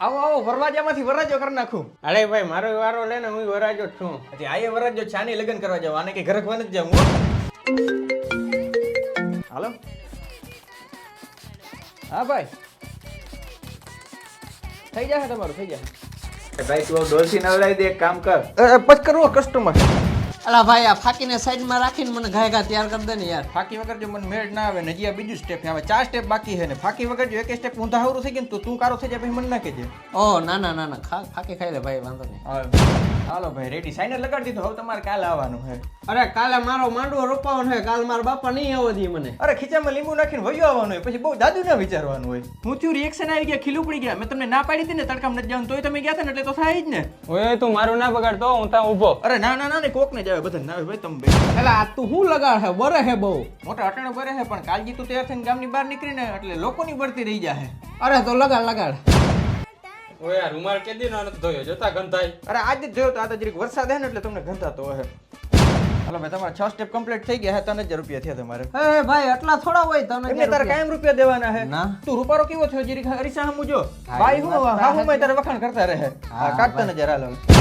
આવો આવો વરરાજામાંથી વરરાજો કરી નાખું. અરે ભાઈ મારો વારો લે ને, હું વરાજો જ છું. હજી આયે વરરાજો છે, આને લગ્ન કરવા જાવ, આને કઈ ઘરે ખવા નથી જાવું. હાલો. હા ભાઈ, થઈ જશે તમારું, થઈ જશે. ભાઈ તું ડોલસી નવડાવી દે, એક કામ કર. પછી કરવો કસ્ટમર. અલા ભાઈ આ ફાકીને સાઈડમાં રાખીને મને ઘાય ઘા તૈયાર કરી દે ને યાર. ફાકી વગર જો મને મેળ ના આવે ને, હજી આ બીજું સ્ટેપ આવે, 4 સ્ટેપ બાકી છે ને. ફાકી વગર જો એક સ્ટેપ ઊંધા હાવરું થઈ ગયું ને તો તું કારો થઈ જાય, પછી મને ના કહેજે. ઓહ ના ના ના ના, ફાકી ખાઈ લે ભાઈ, વાંધો નહીં. હાલો ભાઈ રેડી, સાઇનર લગાડી દીધું. હવે તમારે કાલે આવવાનું છે. અરે કાલે મારો માંડવો રોપાવાનો છે, કાલ મારા બાપા નહીં આવવા દે મને. અરે ખીચામાં લીંબુ નાખીને વયો આવવાનું હોય, પછી બહુ દાદુ ના વિચારવાનું હોય. હું થયું રિએક્શન આવી ગયા, ખીલું પડી ગયા. મેં તમને ના પાડી હતી ને તડકામાં નથી જવાનું, તોય તમે ગયા હતા ને એટલે તો થાય જ ને. ઓય તું મારું ના બગાડતો, હું ત્યાં ઊભો. અરે ના ના ના ને, કોક ને જ આવે, બધા ના આવે ભાઈ. તમે ભાઈ એટલે આ તું શું લગાડ છે, બરે છે બહુ. મોટા અટાણે બરે છે, પણ કાલજી તું તૈયાર થઈને ગામની બહાર નીકળીને એટલે લોકોની બળતી રહી જાય. અરે તો લગાડ લગાડ. ઓય યાર રૂમાલ કેદી નો નથી ધોયો, જોતા ગંધાય. અરે આજે જ જોયો તો, આ તો જરીક વરસાદ હે ને એટલે તમને ગંધાતો હે. હાલો ભાઈ તમારા 6 સ્ટેપ કમ્પ્લીટ થઈ ગયા હે, 3000 રૂપિયા થયા તમારે. હે ભાઈ એટલા થોડા હોય તને. એમને તારે કાયમ રૂપિયા દેવાના હે. ના. તું રૂપારો કેવો થયો, જરીક અરીસા હમું જો. ભાઈ હું હા હું તારે વખાણ કરતા રહે. હા કાઢતા નજર હાલો.